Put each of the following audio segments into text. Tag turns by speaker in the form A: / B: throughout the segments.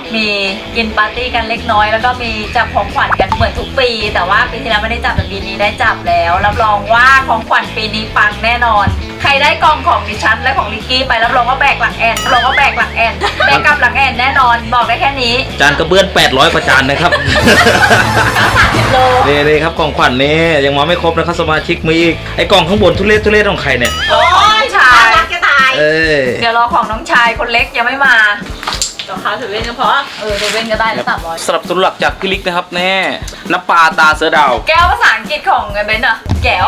A: มีกินปาร์ตี้กันเล็กน้อยแล้วก็มีจับของขวัญกันเหมือนทุกปี แต่ว่าปีที่แล้วไม่ได้จับแต่ปีนี้ได้จับแล้วรับรองว่าของขวัญปีนี้ปังแน่นอนใครได้กล่องของดิฉันและของลิกกี้ไปรับรองว่าแบกหลังแอนรับรองว่าแบกหลังแอนแบกกลับหลังแอนแน่นอนบอกได้แค่นี้
B: จานกระเบื้อง800กว่าจานนะครับ
A: 30 โล
B: นี่ครับกล่องขวัญนี่ยังมาไม่ครบนะครับสมาชิกมีอีกไอ้กล่องข้างบนทุเรศของใครเนี่ย
A: โอ้ยชาย
C: รักจะตาย
A: เดี๋ยวรอของน้องชายคนเล็กยังไม่มาราคาถือเว้นก็พอเดี๋ยวเว้นก็ได้แล้ว300
B: สนับสนุนหลักจากพี่ลิกนะครับแน่น้ำปลาตาเสือดาว
A: แก้วภาษาอังกฤษของไอ้เบนอะแก้ว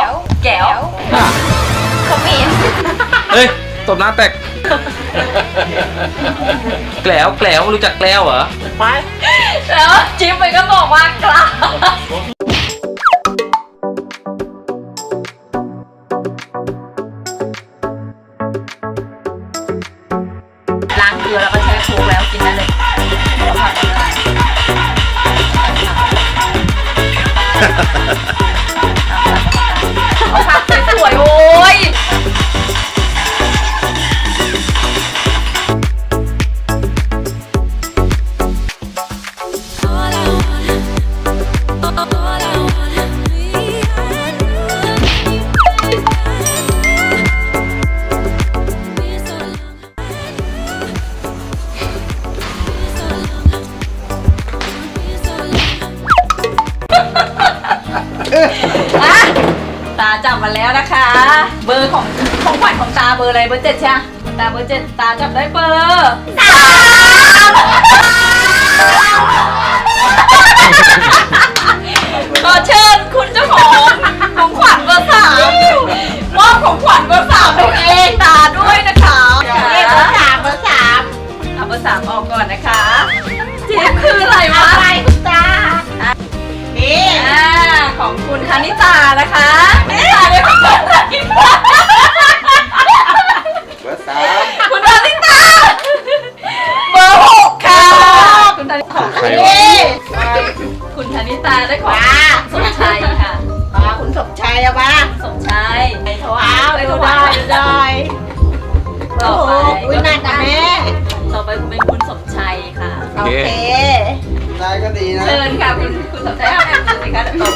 A: เขามี
B: เฮ้ยตบหน้าแตกแกล้วรู้จักแกล้วเหรอ
C: ไป
A: แล้วจิ๊บมันก็บอกว่ากล้าล้างเกลือแล้วก็ใช้โค้กแล้วกินได้เลยเอาผักสวยๆโอ้ยตาจับมาแล้วนะคะ เบอร์ของขวัญของตาเบอร์อะไรเบอร์ 7ใช่ไหมตาเบอร์ 7ตาจับได้เบอร์ 3ขอเชิญคุณเจ้าของขวัญเบอร์ 3มอบของขวัญเบอร์ 3ตัวเองตาด้วยนะคะ
C: เบอร์ 3เบอร์ 3
A: เอาเบอร์ 3ออกก่อนนะคะจิ๊บคืออะไรวะ
C: อะไรคุณตานี่
A: ของคุณคณิตานะคะคณิตาเนี่ยคุณคณิตา
D: เบอร์ 3
A: คุณคณิตาเบอร์ 6ค่ะคุณคณิตา
B: ใครวะ
C: นี่
A: คุณคณิตาได้ของสมชัยค่ะ
C: คุณสมชายอะมา
A: สมชัยไปถวา
C: ว้าวย
A: ไป
C: ไป
A: ถ
C: ดู
A: วา
C: ได้
A: ย
C: ได้
A: ต่
C: โอ้
A: อ
C: โห
A: ไป
C: อุ้ยนานกับแม่
A: ต่อไปเป็นคุณสมชัยค่ะ
C: โอเค
D: ได้ก็ดีนะ
A: เชิญค่ะคุณสมชัยเอาแอมสิคะเดี๋ยวตบ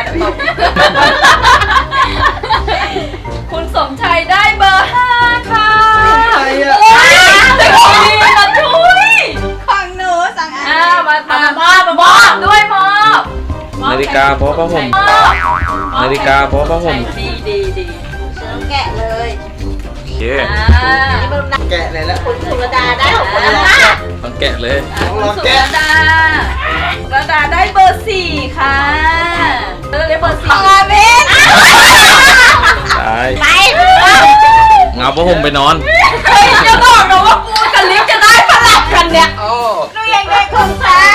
A: คุณสมชัยได้เบอร์ 5ค่ะ
D: ใครอะ
A: โอ้ยจะคุยมาช่วย
C: ของหนูสั่งอัน
A: มอบด้วยมอบ
B: นาฬิกาเพราะผ้าห่มนาฬิกาเพราะผ้าห่ม
A: ดี
C: แกะเลย
B: โอเค
C: นี่เป็น
D: แกะเลยแล้ว
C: คุณสุรดาได้ของคุณละ
B: ต้องแกะเลย
A: คุณสุรดาได้เบอร์ 4ค่ะได้เบอร์ 4
C: ของอาเบน
B: ตาย
C: ไป
B: เงาผ้าห่มไปนอน
A: เฮ้ยจะบอกนะว่ากูกับลิฟจะได้สลับกันเนี่ย
D: โอ้
C: หนูยังได้ของตา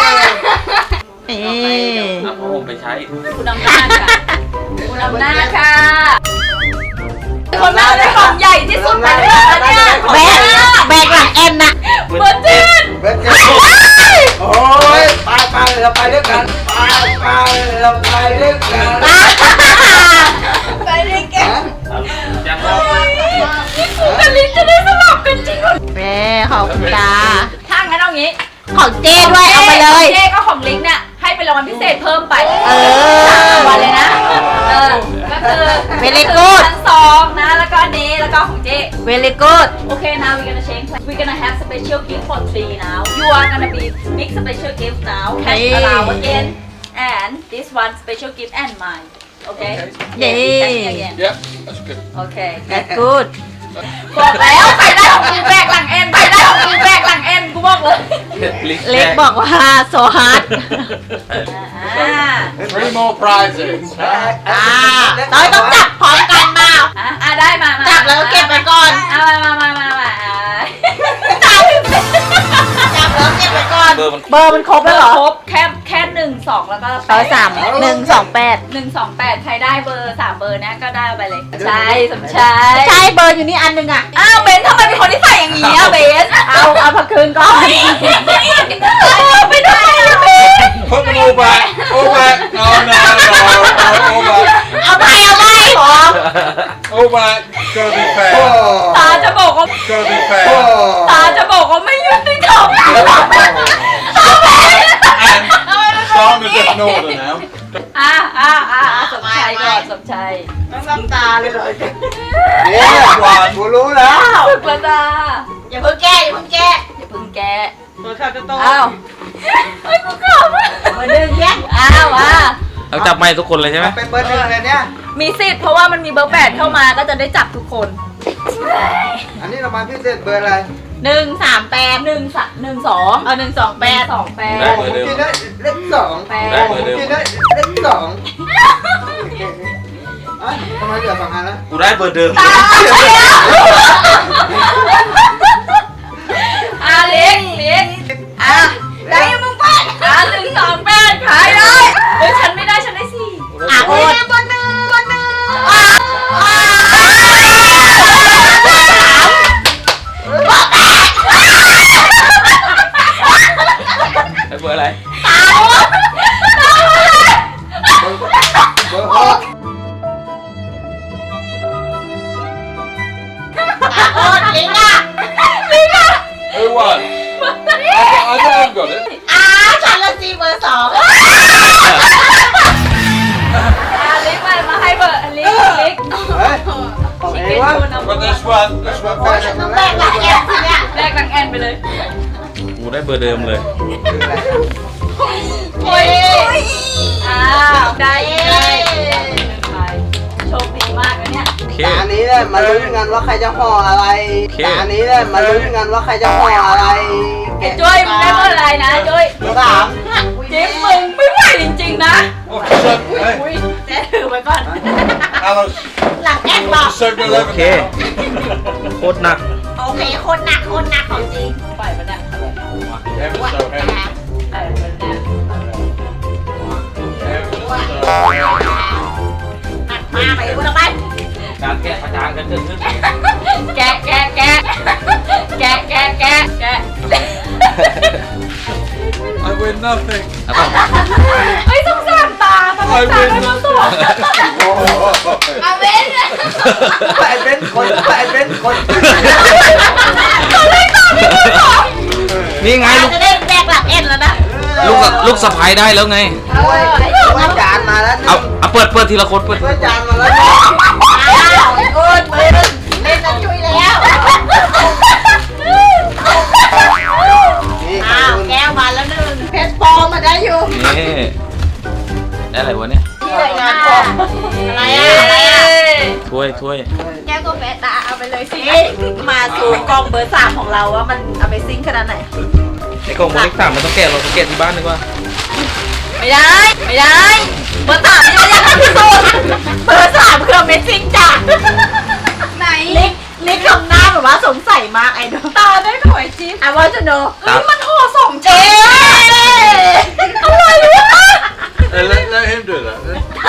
B: เอาผ้าห่มไปใช้
A: คุณอำนาจค่ะคุณอำนาจค่ะคนน่าได้ของใหญ่ที่สุดในโลกเนี่ย
C: แบกหลังแอนน่ะ
A: เบอร์เจ็ด
D: เบอร์ 7โอ้ยไปเราไปด้วยกันไปเราไปด้วยกัน
C: ไปด้วยกัน
B: ยัง
A: นี่กูกับลิฟจะได้สลับกันจริงเหรอ
C: แม่ของคุณตา
A: ถ้างั้นเอางี้
C: ของเจ้ด้วยเอาไปเลย
A: เจ๊ก็ของลิงเนี่ยให้เป็นรางวัลพิเศษเพิ่มไป
C: เออ
A: 3รางวัลเลยนะก็คือ
C: Very good
A: ชั้น2นะแล้วก็อันนี้แล้วก็ของเจ๊
C: very good
A: Okay, now we're gonna change. We're gonna have special gift for 3 now. You are gonna be big special gift now. Cash
C: Hey.
A: allow again, and this one special gift and mine. Okay.
C: Yay.
A: Cash again.
D: Yep that's good
A: Okay.
C: that's good
A: บอกแล้วใครได้ของกูแบกหลังเอ็นใครได้ของกูแบกหลังเอ็นกูบอกเลย
C: เล็กบอกว่าโซฮาร์ด
D: 3 more prizes
C: ต้องจับพร้อมกันมา
A: ได้มา
C: จับแล้วก็เก็บไปก่อน
A: มา
C: จับแล้วเก็บไปก่อน
B: เบอร์มัน
C: เบอร์มันครบแล้วเหรอ
A: ครบแค่1 2แล้วก็
C: เบอร์3 1 2 8
A: 128ใครได้เบอร์3เบอร์นะก็ได้ไปเลยใช่สมชาย
C: ใช่เบอร์อยู่นี่อันหนึงอ่ะ
A: อ้าวเบนทำไมเป็นคนที่ใส่อย่างนี้อ่ะเบน
C: เอาพักคืนก่อน
A: ไม่ได้เบน
D: Put them all back all back no all back
C: เอาไปขอ
D: all back gotta be fair
A: ตาจะบอกว่า
D: gotta be fair
A: ตาจะบอกว่าไม่ยุติธรรม
E: order now.
A: สมชัยก่อนสมชัย
C: น้ำตาเลยเลย
D: เนี่ยกูรู้แล้ว
A: สุกระดา
C: อย่าเพิ่งแก้อย่าเพิ่งแก้
A: อย่าเพึ่งแกะ
C: ตัวข้าวจะโต
A: อ้าวเฮ้ยกูขำ
C: มาดึงแยก
A: อ้าวอ่ะ
B: เราจับไม่ทุกคนเลยใช่ไหม
D: เป็นเบอร์หนึ่งเลยเนี่ย
A: มีสิทธิ์เพราะว่ามันมีเบอร์ 8เข้ามาก็จะได้จับทุกคน
D: อันนี้เรามาพิเศษเบอร์อะไร
C: 138
A: 1 2
C: เอา128
A: 2 8
B: ได้
D: ผ
B: เบอ
D: ม
B: ร์เดิม
D: กินได้เลขสอง
B: ได้เบอร์เดิม
D: กินได้เลขสองทำไมเหลือ2 อันแล้ว
B: กูได้เบอร์เดิม
A: เล็กได้ยังมึงไป1 2 8ขายได้เฮ้ยฉันไม่ได้ฉันได้สี่
C: โอ้ยบนหนึ่ง
B: ได้เบอร์อะไร
D: เบอร์หก
C: โอ้ยลิงอ่ะ
E: Who won? I haven't got it.
C: ฉันละซีเบอร์2
A: ลิกมาให้เบอร์ลิก
D: เฮ้ยของเองวะ
E: But this one
C: โอ้ยฉันต้องแบกหลักแอบสิเนี่ย
A: แลกดังแอนไปเลย
B: กูได้เบอร์เดิมเลย
C: โอ้ย
A: ได้โชคดีมากนะเนี่ย
B: โอเค
D: แต่อันนี้เนี่ยมาลุ้นกันว่าใครจะห่ออะไร
B: โอเค
D: แต่อันนี้เนี่ยมาลุ้นกันว่าใครจะห่ออะไร
A: ไอ้จ้อยมึงได้เบอร์อะไรนะจ้อย
D: เบอร์สาม
A: จิ๊บมึงไม่ไหวจริงๆนะ
E: What's the hey,
C: แจ๊ถือไว้ก่อน
E: Alice,
C: หลังแอบบอก
E: 7-Eleven
B: โอเค
E: now.
B: โคตรหนัก
C: โอเคคนหนักของจริง
A: ปล่อยมันเนี่ย
E: Ever so heavy.
A: เออมันเนี่ย
E: Ever so heavy.
C: หนักมากไปกูต้องไป
B: การแกะประจานกันเกิดขึ้น
A: แกะ
E: I win nothing.
B: แล้วก็
A: เฮ้ยสงสารตาสงสารไม่รู้ตัว
C: เอาเว้น
D: ไปเป็นคนไปเป็นคน
B: นี่ไงลูก
C: จะได้แบกหลักเอ็นแล้วนะ
B: ลูกสะพ้ายได้แล้วไง
D: ช่วยจานมาแล้ว
B: เอาเปิดทีละคนเปิด
D: ช่วยจานมาแล้ว
C: อ้าวโอ้ยมือเล่นนั้นช่วยแล้ว
D: นี่
C: อ้าวแก้วมาแล้ว1เพชรปอมาได้อยู่
B: นี่ได้อะไรวะเนี่ย
C: ที่เลยงานปออะไรอ่ะ
B: ถ้วย
C: แก้วก็แปะตาเอาไปเลยสิมาสู่กองเบอร์3ของเราว่ามัน Amazing ขนาดไหน
B: ไอ้กล่องเบอร์เลข 3มันต้องแกะเราต้องแกะที่บ้านดีกว่า
A: ไม่ได้เบอร์ 3นี่ไม่ได้ที่สุดเบอร์ 3คือ Amazing จ้ะไหน
C: ลิกทำหน้าแบบว่าสงสัยมากไอ้เนาะ
A: ตาได้ถอยจิ๊บ
C: I want to know
A: เฮ้ยมันห่อ2ชั้นอะไรวะ
E: Let him do that.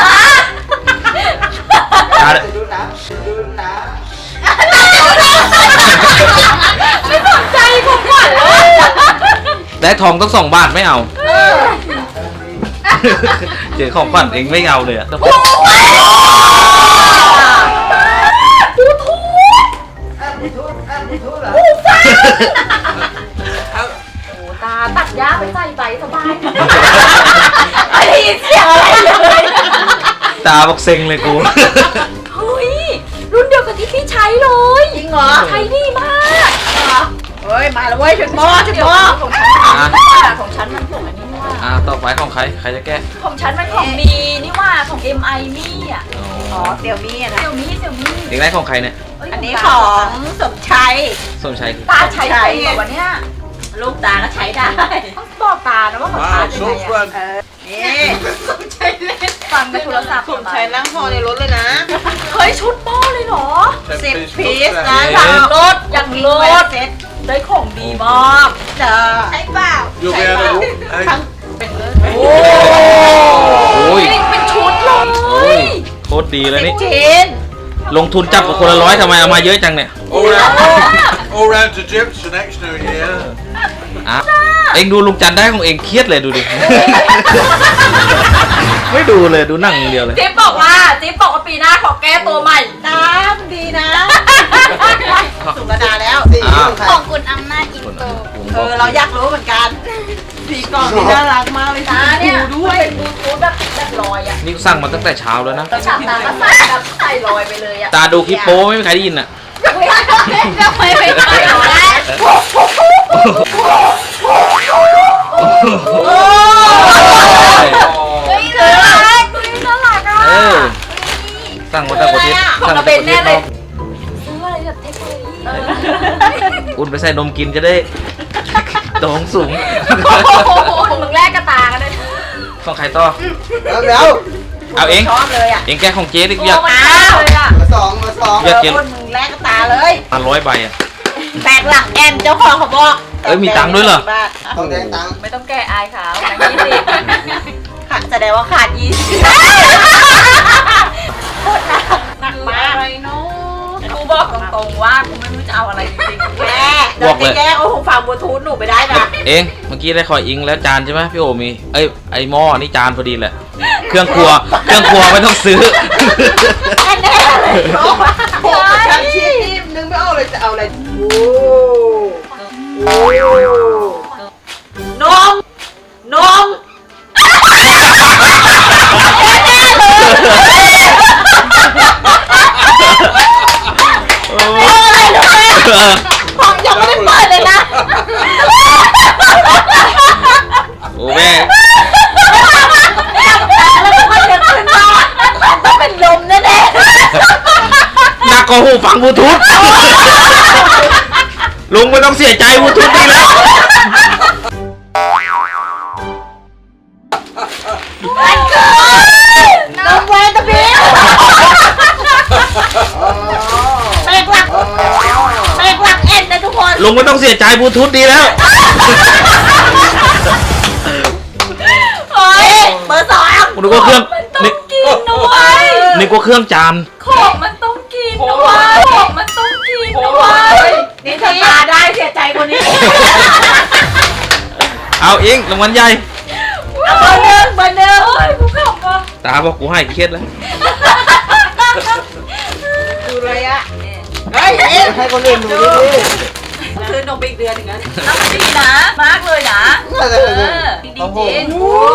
D: ดูนะดูนะ
A: ไม่สนใจผมก่อนเลย
B: ได้ทองต้อง2 บาทไม่เอา เจอของขวัญเองไม่เอาเลยอะ
D: มีทุกเหรอ
A: โอ้ตาตัดหญ้าไปใส่ใบสบายไอ้เสียงอะไรเลย
B: ตาบอกเซ็งเลยกู
A: เฮ้ยรุ่นเดียวกับที่พี่ใช้เลย
C: จริงเหรอ
A: ใช้ดีมาก
C: เฮ้ยมาแล้วเว้ยชุดหม้อ
A: ของฉันของฉันมันของอันนี้นี่ว่า
B: ต่อไปของใครจะแกะ
A: ของฉันมันของดีนี่ว่าของ MI นี่อ่ะ
C: อ๋อเสี่ยวมี่อะนะ
A: เสี่ยวมี่
B: เด็กได้ของใครเนี่ย
A: เย
C: อันนี้ของสมชัย
B: ส้มชัยคือ
A: ตาใช้ไปเหรอวะเนี่ย
C: ลูกตาก็ใช้ได้
A: ต้องบอกตานะว่าของตา
E: Wow,
A: เป็น
E: sauce
A: ไง
E: one.
C: นี่สมชัยเล่น
A: ฟังในโทรศัพท์
C: สมชัยนั่งพอในรถเลยนะ
A: เฮ้ยชุดหม้อเลยเหรอ
C: 10 พีซนะ
A: อย่างรถอย่างรถ
C: เซ็ต
A: ได้ของดีมาก
C: เจอใช่เปล่า
E: You'll be able to walk. Hey,
A: โอ้
B: โอ้ย
A: เป็นชุดเล
B: โอ้ย
A: ย
B: โคตรดีเลยนี่
C: ชิ้น
B: ลงทุนจับกับคนละ100ทำไมเอามาเยอะจังเนี่ย
E: all round to Gyps for next New Year.
B: อ่ะเองดูลุงจันได้ของเองเครียดเลยดูดิ ไม่ดูเลยดูหนังอย่างเดียวเลย
A: จิ๊บบอกว่าปีหน้าขอแก้ตัวใหม่
C: น้ำดีนะสุกระดาแล้ว
D: สีของใคร
C: ของคุณอำนาจอินโตเราอยากรู้เหมือนกัน
A: ด
C: สีกล่องนี่น่ารักมากเลย
A: ตาเนี่ยด้วยเป็นบลูทูธแบบลอยอ่ะ
B: นี่สั่งมาตั้งแต่เช้าแล้วนะ
A: เราฉับตาก็ใส่แบบใส่ลอยไปเลยอ่ะ
B: ตาดูคลิปโป้ไม่มีใครได้ยินอ่ะ
A: ทำไมไม่ใส่แล้วเฮ้ยน่ารักน่ารักอ่ะ
B: เออสั่งมาแต่ประเทศ
A: ของ
B: สั่ง
A: ก
B: มา
A: ระ
B: แต่
A: เบ
B: ป
A: น
B: ระเท
A: แน่
B: ศ
A: เล
B: น
A: ย
B: อก
A: ซื้ออะไรแบบเทคโนโลยี
B: อุ่นไปใส่นมกินจะได้โตงสูง
A: มึงแลกกระตากันเลย
B: ต้องใครต่อ
D: เดี๋ยว
B: เอาเอง
C: ชอบเลยอ่ะ
B: เองแกของเจ๊ดิ
A: โอ้
B: อยาก
A: มันอ้าวเลยอ่ะ
D: มาสอง
B: อยากเก็บ
C: คนมึงแลกกระตาเลย
B: มา100 ใบอ่ะ
C: แตกหลังแอนเจ้าของเขาบอก
B: เอ้ยมีตังค์ด้วยเหรอ
D: ต้องแดงตังค์
A: ไม่ต้องแก้อายขาวนะ20
C: ขาดแสดงว่าขาด20โคตรหนักมาก
A: กูบอกตรงๆว่ากูไม่รู้จะเอาอะไรจริงๆ
C: แม่เดี๋ยวจะแย่งเอาหูฟังบลูทูธหนูไปได้นะ
B: เองเมื่อกี้ได้คอยอิงแล้วจานใช่ไหมพี่โอมีเอ้ยไอหม้อนี่จานพอดีแหละเครื่องครัวไม่ต้องซื้อ
C: แน่ๆเลยเนาะ
D: โอ้ยจำชีพนึงไม่เอาเลยจะเอาอะไรโอ้
C: นมนม ของยังไม่ได้เปิดเลยนะ
B: โอ้แม่
C: แล้วก็จะขึ้นมาต้องเป็นลมแน่
B: หนักกว่าหูฟังบลูทูธลุงไม่ต้องเสียใจบลูทูธนี่แล้ว
C: ๆนมแวนตะเบียแตกหลักแอนนะทุกคน
B: ลุงไม่ต้องเสียใจบลูทูธดีแล้ว
C: เฮ้ยเบอร์สอง
B: นึกว่าเครื่อง
A: มันต้อง
B: นึก
A: กินนะเว้ย
B: นึกว่าเครื่องจาน
A: ของมันต้องกินนะเว้ยของมันต้องกินนะเว้ย
C: นี่ถ้าตาได้เสียใจกว่านี้
B: เอาเองรางวัลใหญ่
C: เอาเบอร์หนึ่ง
A: เฮ้ยกูขำว่ะ
B: ตาบอกกูให้เครียดแล้ว
C: ดูเลยอะ
D: เฮ้ยให้คนอื่นดูดิ
C: คือนมไปอีกเดือนหนึ่งแล้ว
A: น้ำมันดีนะ มากเลยนะ
D: น่าจะ
A: ดี
D: โอ้โห
A: จริง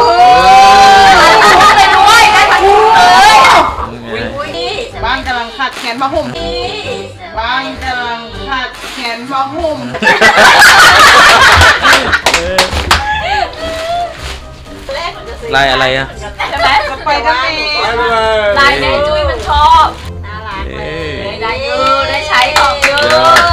A: ได้ทั้งคู่เลยด้วยได้ทั้งคู่เลย
C: บ้านกำลังขาดแขนผ้าห่มบ้านกำลังขาดแขนผ้าห่ม
B: ลายอะไรอ่ะ
A: ใช่ไหม
C: ไปกันเอง
A: ลายแม่จุ้ยมันชอบ
C: น่ารักเลย
A: ได้เยอะได้ใช้ของเยอะ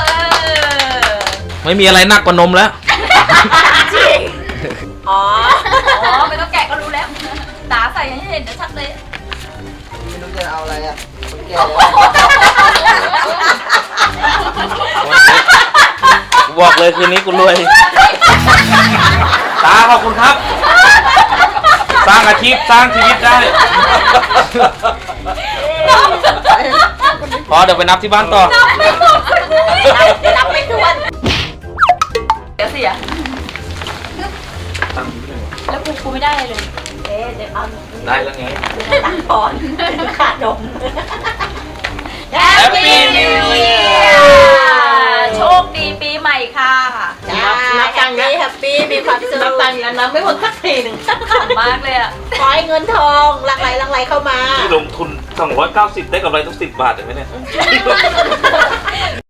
B: ไม่มีอะไรหนักกว่านมแล้ว
A: จริง
C: อ๋อ
A: อ๋อไม่ต้องแกะก็รู้แล้วตาใส่ให้เห็นชัดเลย
D: ไม่รู้จะเอาอะไรอ่ะคนแก่
B: บอกเลยคืนนี้กูรวย ตาขอบคุณครับ สร้างอาชีพสร้างชีวิตได้ พอเดี๋ยวไปนับที่บ้านต่อ
C: นับไม่ถ้วน
A: เดี๋ยวเสียแล้วกูไม่ได้เลย
C: เอ๊ะเดี๋ยวเอา
B: ได้แล้วไง
C: ตังค์ก่อนขาดนม
A: Happy New Year โชคดีปีใหม่ค่ะ
C: นับตังค์นะแฮปปี้มีความสุขนับตังค์แล้วนะไม่หมดสักทีหนึ่ง
A: ขำมากเลยอ่ะ
C: ขอให้เงินทองหลั่งไหลเข้ามา
B: ลงทุน290ได้กำไรต้อง10 บาทเห็นไหมเนี่ย